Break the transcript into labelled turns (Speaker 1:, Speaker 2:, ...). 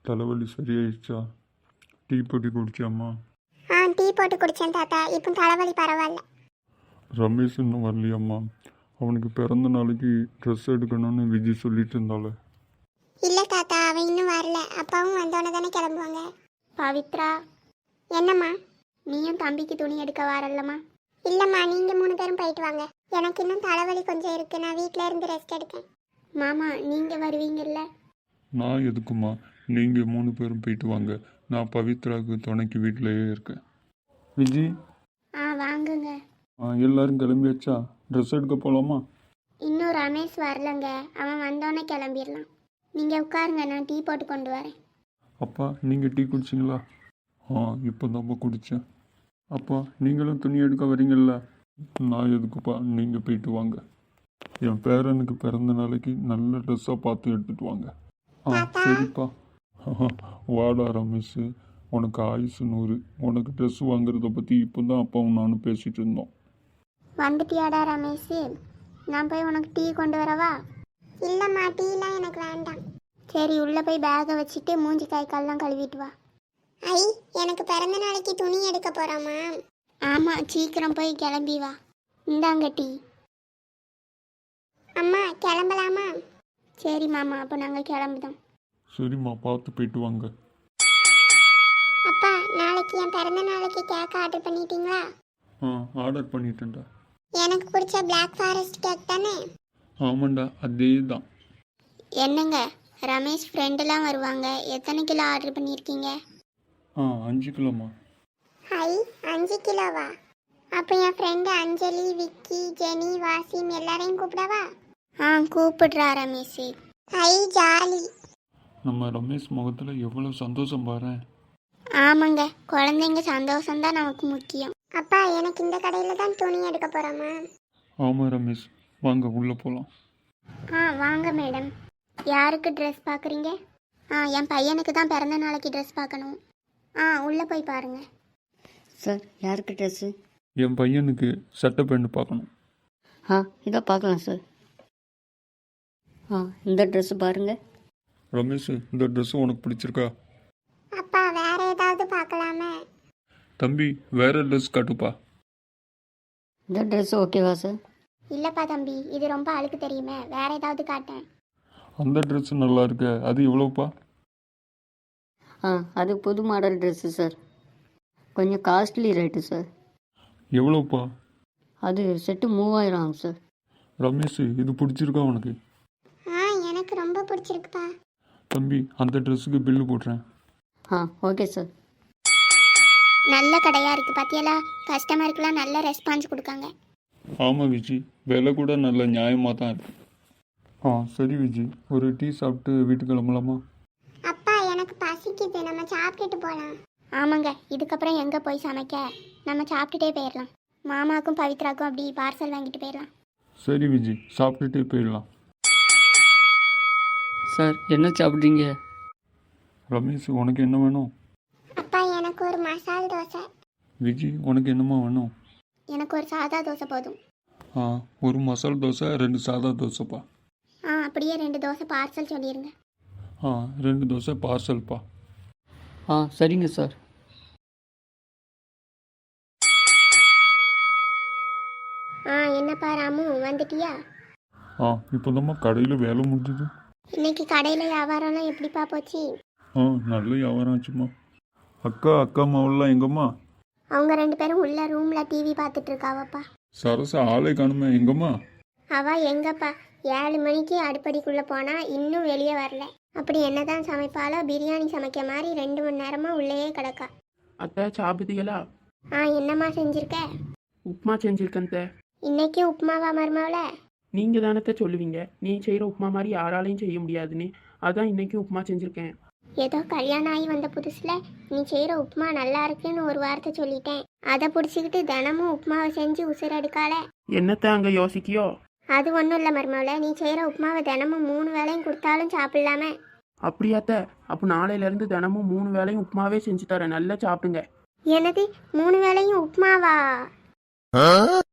Speaker 1: தலைவலி சரியாயிடுச்சா? டீ போட்டு குடிச்சாம்மா?
Speaker 2: டீ போட்டு குடித்தேன் தாத்தா. இப்போ தலைவலி பரவாயில்ல.
Speaker 1: ரமேஷ் இன்னும் வரலையம்மா? அவனுக்கு பிறந்த நாளைக்கு ட்ரெஸ் எடுக்கணும்னு விஜய் சொல்லிட்டு இருந்தாள்.
Speaker 2: இல்லை தாத்தா, அவன் இன்னும் வரல. அப்பாவும் வந்தோடனே தானே கிளம்புவாங்க. பவித்ரா, என்னம்மா? நீயும் தம்பிக்கு துணி எடுக்க வரலம்மா? இல்லைம்மா, நீங்கள் 3 பேரும் போயிட்டு வாங்க. எனக்கு இன்னும் தலைவலி கொஞ்சம் இருக்குது. நான் வீட்டில் இருந்து ரெஸ்ட் எடுக்கேன். மாமா, நீங்கள் வருவீங்கல்ல?
Speaker 1: நான் எதுக்குமா? நீங்கள் 3 பேரும் போயிட்டு வாங்க. நான் பவித்ராவுக்கு துணைக்கு வீட்டிலேயே இருக்கேன். விஜய்,
Speaker 2: வாங்குங்க.
Speaker 1: எல்லாரும் கிளம்பியாச்சா? ட்ரெஸ் எடுக்க போகலாமா?
Speaker 2: இன்னும் ரமேஷ் வரலங்க. அவன் வந்தோடனே கிளம்பிடலாம். நீங்கள் உட்காருங்க, நான் டீ போட்டு கொண்டு வரேன்.
Speaker 1: அப்பா, நீங்கள் டீ குடிச்சிங்களா? இப்போ தான்ப்பா குடித்தேன். அப்பா, நீங்களும் துணி எடுக்க வரீங்கல்ல? நான் எதுக்குப்பா, நீங்கள் போயிட்டு வாங்க. என் பேரனுக்கு பிறந்த நாளைக்கு நல்ல ட்ரெஸ்ஸாக பார்த்து எடுத்துகிட்டு வாங்க. சரிப்பா. வாடா ரமேஷ், உனக்கு ஆயுசு 100. உனக்கு ட்ரெஸ் வாங்குறத பற்றி இப்போ தான் அப்பாவும் நானும் பேசிகிட்டு இருந்தோம்.
Speaker 2: வந்துட்டியாடா ரமேஷ்? நான் போய் உனக்கு டீ கொண்டு வரவா? இல்லைம்மா, டீலாம் எனக்கு வேண்டாம். சரி, உள்ளே போய் பேகை வச்சுட்டு மூஞ்சி கை கால்லாம் கழுவிட்டு வா. ஐ, எனக்கு பிறந்த நாளைக்கு துணி எடுக்க போகிறாமா? ஆமாம், சீக்கிரம் போய் கிளம்பி வா. இந்தாங்க டீ. அம்மா, கிளம்பலாமா? சரி மாமா, அப்போ நாங்கள் கிளம்புதோம்.
Speaker 1: சரிம்மா, பார்த்து போயிட்டு வாங்க.
Speaker 2: அப்பா, நாளைக்கு என் பிறந்த நாளைக்கு கேக் ஆர்டர் பண்ணிட்டீங்களா?
Speaker 1: ஆர்டர் பண்ணிட்டேன்டா.
Speaker 2: எனக்கு பிடிச்ச Black Forest கேக் தானே?
Speaker 1: ஆமாண்டா, அதே தான்.
Speaker 2: என்னங்க, ரமேஷ் ஃப்ரெண்டெல்லாம் வருவாங்க. எத்தனை கிலோ ஆர்டர் பண்ணியிருக்கீங்க?
Speaker 1: 5 கிலோம்மா.
Speaker 2: ஹை, 5 கிலோவா? அப்போ என் ஃப்ரெண்டு அஞ்சலி, விக்கி, ஜெனி, வாசிம் எல்லாரையும் கூப்பிடவா? கூப்பிடுறா ரமேஷ். High, jolly.
Speaker 1: நம்ம ரமேஷ் முகத்தில் எவ்வளோ சந்தோஷம் பாரு.
Speaker 2: ஆமாங்க, குழந்தைங்க சந்தோஷம்தான் நமக்கு முக்கியம். அப்பா, எனக்கு இந்த கடையில் தான் துணி எடுக்க போகிறோமா?
Speaker 1: ஆமாம் ரமேஷ், வாங்க உள்ளே போகலாம்.
Speaker 2: வாங்க மேடம். யாருக்கு ட்ரெஸ் பார்க்குறீங்க? என் பையனுக்கு தான் பிறந்த நாளைக்கு ட்ரெஸ் பார்க்கணும். உள்ளே போய் பாருங்கள்.
Speaker 3: சார், யாருக்கு ட்ரெஸ்ஸு?
Speaker 1: என் பையனுக்கு சட்டை பேண்ட் பார்க்கணும்.
Speaker 3: இதை பார்க்கலாம் சார். இந்த ட்ரெஸ்ஸு பாருங்கள்.
Speaker 1: ரமேஷ், இந்த ட்ரெஸ்ஸு உனக்கு பிடிச்சிருக்கா?
Speaker 2: அப்பா, வேற ஏதாவது பார்க்கலாமே?
Speaker 1: தம்பி, வேற ட்ரெஸ் காட்டுப்பா.
Speaker 3: இந்த ட்ரெஸ்ஸு ஓகேவா சார்?
Speaker 2: இல்லைப்பா தம்பி, இது ரொம்ப அழுக்கு தெரியுமே, வேற ஏதாவது காட்டேன்.
Speaker 1: அந்த ட்ரெஸ்ஸு நல்லா இருக்கு, அது எவ்வளோப்பா?
Speaker 3: அது புது மாடல் ட்ரெஸ்ஸு சார். கொஞ்சம் காஸ்ட்லி ரேட்டு சார்.
Speaker 1: எவ்வளோப்பா?
Speaker 3: அது செட்டு 3000 ஆகும் சார்.
Speaker 1: ரமேஷ், இது பிடிச்சிருக்கா உனக்கு?
Speaker 2: எனக்கு ரொம்ப பிடிச்சிருக்குப்பா.
Speaker 1: தம்பி, அந்த ட்ரெஸ்ஸுக்கு பில்லு போடுறேன்.
Speaker 3: Okay sir.
Speaker 2: நல்ல கடையாக இருக்குது பார்த்தியலா? கஸ்டமருக்குலாம் நல்ல ரெஸ்பான்ஸ் கொடுக்காங்க.
Speaker 1: ஆமாம் விஜி, விலை கூட நல்ல நியாயமாக தான் இருக்கு. சரி விஜி, ஒரு டீ சாப்பிட்டு வீட்டுக்கு கிளம்பலாமா?
Speaker 2: அப்பா, எனக்கு பசிக்குது, நம்ம சாப்பிட்டுட்டு போகலாம். ஆமாங்க, இதுக்கப்புறம் எங்கே போய் சமைக்க? நம்ம சாப்பிட்டுட்டே போயிடலாம். மாமாவுக்கும் பவித்ராக்கும் அப்படி பார்சல் வாங்கிட்டு போயிடலாம்.
Speaker 1: சரி விஜி, சாப்பிட்டுட்டே போயிடலாம்.
Speaker 3: சார், என்ன சாப்பிட்றீங்க?
Speaker 1: ரமேஷ், உனக்கு என்ன வேணும்?
Speaker 2: அப்பா, எனக்கு ஒரு மசால் தோசை.
Speaker 1: விஜி, உனக்கு என்னம்மா வேணும்?
Speaker 2: எனக்கு ஒரு சாதா தோசை போதும்.
Speaker 1: ஒரு மசால் தோசை, 2 சாதா தோசைப்பா.
Speaker 2: அப்படியே 2 தோசை பார்சல் சொல்லிடுங்க.
Speaker 1: 2 தோசை பார்சல்ப்பா.
Speaker 3: சரிங்க சார்.
Speaker 2: என்னப்பா ராமு, வந்துட்டியா?
Speaker 1: இப்போதாம்மா கடையில் வேலை முடிஞ்சுது.
Speaker 2: இன்னைக்கு கடையில் வியாபாரம்லாம் எப்படிப்பா போச்சு?
Speaker 1: நல்ல வியாபாரம் ஆச்சுமா. அக்கா மாவெல்லாம் எங்கம்மா?
Speaker 2: அவங்க 2 பேரும் உள்ள ரூமில் டிவி பார்த்துட்டு இருக்காவப்பா.
Speaker 1: சரசா ஆளை காணுமே, எங்கம்மா?
Speaker 2: அவள் எங்கப்பா, 7 மணிக்கு அடுப்படிக்குள்ளே போனால் இன்னும் வெளியே வரல. அப்படி என்னதான் சமைப்பாலோ, பிரியாணி சமைக்க மாதிரி 2 மணி நேரமாக உள்ளேயே கிடக்கா.
Speaker 4: அத்தை, சாப்பிட்டீங்களா?
Speaker 2: என்னம்மா செஞ்சுருக்க?
Speaker 4: உப்புமா செஞ்சுருக்கேன் தே.
Speaker 2: இன்னைக்கு உப்புமாவா மருமாவில்?
Speaker 4: நீங்கள் தானத்தை சொல்லுவீங்க, நீ செய்கிற உப்புமா மாதிரி யாராலையும் செய்ய முடியாதுன்னு. அதான் இன்னைக்கு உப்புமா செஞ்சுருக்கேன்.
Speaker 2: ஏதோ கல்யாணம் ஆகி வந்த புதுசில் நீ செய்கிற உப்புமா நல்லா இருக்குன்னு ஒரு வார்த்தை சொல்லிட்டேன். அதை பிடிச்சிக்கிட்டு தினமும் உப்புமாவை செஞ்சு உசுரெடுக்கால.
Speaker 4: என்னத்தை அங்கே யோசிக்கியோ?
Speaker 2: அது ஒன்றும் இல்லை மருமாவில், நீ செய்கிற உப்புமாவை தினமும் 3 வேளையும் கொடுத்தாலும் சாப்பிடலாமே.
Speaker 4: அப்படியாத்த? அப்போ நாளையிலேருந்து தினமும் 3 வேளையும் உப்புமாவே செஞ்சு தரேன், நல்லா சாப்பிடுங்க.
Speaker 2: எனது 3 வேளையும் உப்புமாவா?